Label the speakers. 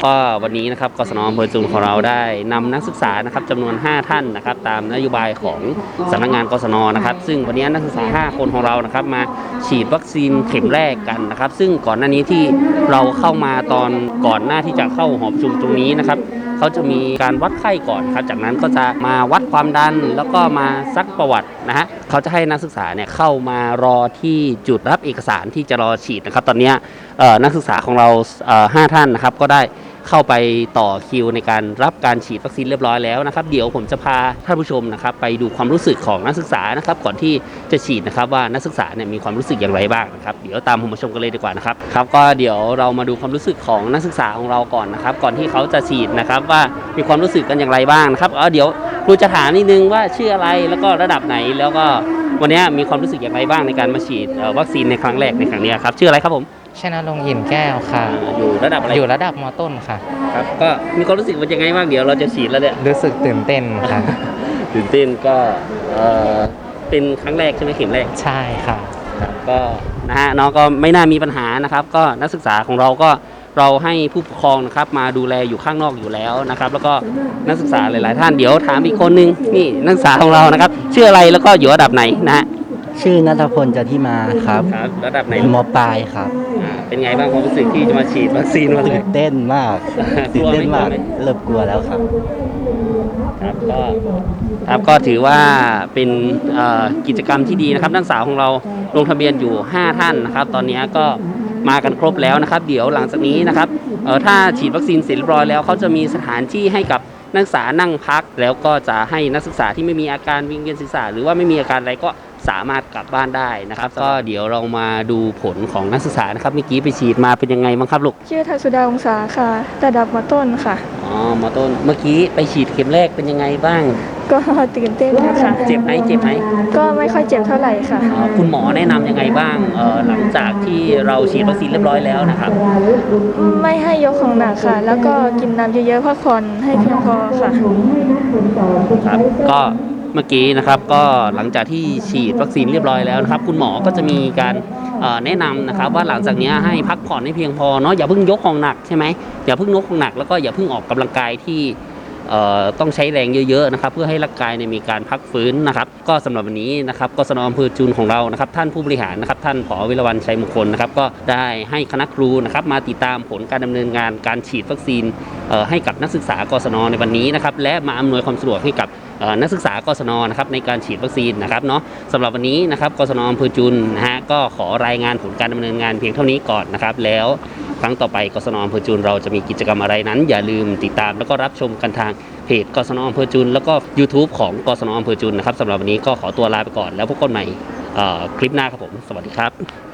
Speaker 1: ก็วันนี้นะครับกศน.อำเภอจุนของเราได้นำนักศึกษานะครับจำนวน5ท่านนะครับตามนโยบายของสำนักงานกศน.นะครับซึ่งวันนี้นักศึกษา5คนของเรานะครับมาฉีดวัคซีนเข็มแรกกันนะครับซึ่งก่อนหน้านี้ที่เราเข้ามาตอนก่อนหน้าที่จะเข้าหอประชุมตรงนี้นะครับเขาจะมีการวัดไข้ก่อนครับจากนั้นก็จะมาวัดความดันแล้วก็มาซักประวัตินะฮะเขาจะให้นักศึกษาเนี่ยเข้ามารอที่จุดรับเอกสารที่จะรอฉีดนะครับตอนนี้นักศึกษาของเรา5ท่านนะครับก็ได้เข้าไปต่อคิวในการรับการฉีดวัคซีนเรียบร้อยแล้วนะครับเดี๋ยวผมจะพาท่านผู้ชมนะครับไปดูความรู้สึกของนักศึกษานะครับก่อนที่จะฉีดนะครับว่านักศึกษาเนี่ยมีความรู้สึกอย่างไรบ้างนะครับเดี๋ยวตามผมมาชมกันเลยดีกว่านะครับครับก็เดี๋ยวเรามาดูความรู้สึกของนักศึกษาของเราก่อนนะครับก่อนที่เขาจะฉีดนะครับว่ามีความรู้สึกกันอย่างไรบ้างนะครับเดี๋ยวครูจะถามนิดนึงว่าชื่ออะไรแล้วก็ระดับไหนแล้วก็วันนี้มีความรู้สึกอย่างไรบ้างในการมาฉีดวัคซีนในครั้งแรกในครั้งนี้ครับชื่ออะไรครับผม
Speaker 2: ชนะลงอิ่นแก้วค่ะ
Speaker 1: อยู่ระดับอะไร
Speaker 2: อยู่ระดับม.ต้นค่ะ
Speaker 1: ครับก็มีความรู้สึกว่ายังไงบ้างเดี๋ยวเราจะฉีดแล้วเนี่ย
Speaker 2: รู้สึกตื่นเต้นค่ะ
Speaker 1: ตื่นเต้นก็เป็นครั้งแรกใช่ไหมเข็มแรก
Speaker 2: ใช่ค่ะ
Speaker 1: ครับก็นะฮะน้องก็ไม่น่ามีปัญหานะครับก็นักศึกษาของเราก็เราให้ผู้ปกครองนะครับมาดูแลอยู่ข้างนอกอยู่แล้วนะครับแล้วก็นักศึกษาหลายๆท่านเดี๋ยวถามอีกคนนึงนี่นักศึกษาของเรานะครับชื่ออะไรแล้วก็อยู่ระดับไหนนะฮะ
Speaker 3: ชื่อณัฐพล จันทิมาครับ
Speaker 1: ระดับไหน
Speaker 3: ม.ปลายครับ
Speaker 1: เป็นไงบ้างความรู้สึกที่จะมาฉีดวัคซีนวันแรก
Speaker 3: ตื่นเต้นมากตื่นเต้นมากเริ่มกลัวแล้วครับ
Speaker 1: ก็ถือว่าเป็นกิจกรรมที่ดีนะครับนักศึกษาของเราลงทะเบียนอยู่5ท่านนะครับตอนนี้ก็มากันครบแล้วนะครับเดี๋ยวหลังจากนี้นะครับถ้าฉีดวัคซีนเสร็จเรียบร้อยแล้วเขาจะมีสถานที่ให้กับนักศึกษานั่งพักแล้วก็จะให้นักศึกษาที่ไม่มีอาการวิงเวียนศีรษะหรือว่าไม่มีอาการอะไรก็สามารถกลับบ้านได้นะครับก็เดี๋ยวเรามาดูผลของนักศึกษานะครับเมื่อกี้ไปฉีดมาเป็นยังไงบ้างครับลูก
Speaker 4: ชื่อทักษุดาวงศาค่ะระดับม.ต้นค่ะ
Speaker 1: ม.ต้นเมื่อกี้ไปฉีดเข็มแรกเป็นยังไงบ้าง
Speaker 4: ก็ตื่นเต้นนะคะ
Speaker 1: เจ็บไหม
Speaker 4: ก็ไม่ค่อยเจ็บเท่าไหร่ค่ะ
Speaker 1: คุณหมอแนะนำยังไงบ้างหลังจากที่เราฉีดวัคซีนเรียบร้อยแล้วนะครับ
Speaker 4: ไม่ให้ยกของหนักค่ะแล้วก็กินน้ำเยอะๆพักผ่อนให้เพียงพอค่ะ
Speaker 1: ครับก็เมื่อกี้นะครับก็หลังจากที่ฉีดวัคซีนเรียบร้อยแล้วนะครับคุณหมอก็จะมีการแนะนำนะครับว่าหลังจากนี้ให้พักผ่อนให้เพียงพอเนาะอย่าเพิ่งยกของหนักใช่ไหมอย่าเพิ่งยกของหนักแล้วก็อย่าเพิ่งออกกำลังกายที่ต้องใช้แรงเยอะๆนะครับเพื่อให้ร่างกายมีการพักฟื้นนะครับก็สำหรับวันนี้นะครับกศน.อำเภอจุนของเรานะครับท่านผู้บริหารนะครับท่านผอ.วิรวรรณชัยมงคลนะครับก็ได้ให้คณะครูนะครับมาติดตามผลการดำเนินงานการฉีดวัคซีนให้กับนักศึกษากศน.ในวันนี้นะครับและมาอำนวยความสะดวกให้กับนักศึกษากศน.นะครับในการฉีดวัคซีนนะครับเนาะสำหรับวันนี้นะครับกศน.อำเภอจุนนะฮะก็ขอรายงานผลการดำเนินงานเพียงเท่านี้ก่อนนะครับแล้วครั้งต่อไปกศน.อำเภอจุนเราจะมีกิจกรรมอะไรนั้นอย่าลืมติดตามแล้วก็รับชมกันทางเพจกศน.อำเภอจุนแล้วก็ YouTube ของกศน.อำเภอจุนนะครับสำหรับวันนี้ก็ขอตัวลาไปก่อนแล้วพบกันใหม่คลิปหน้าครับผมสวัสดีครับ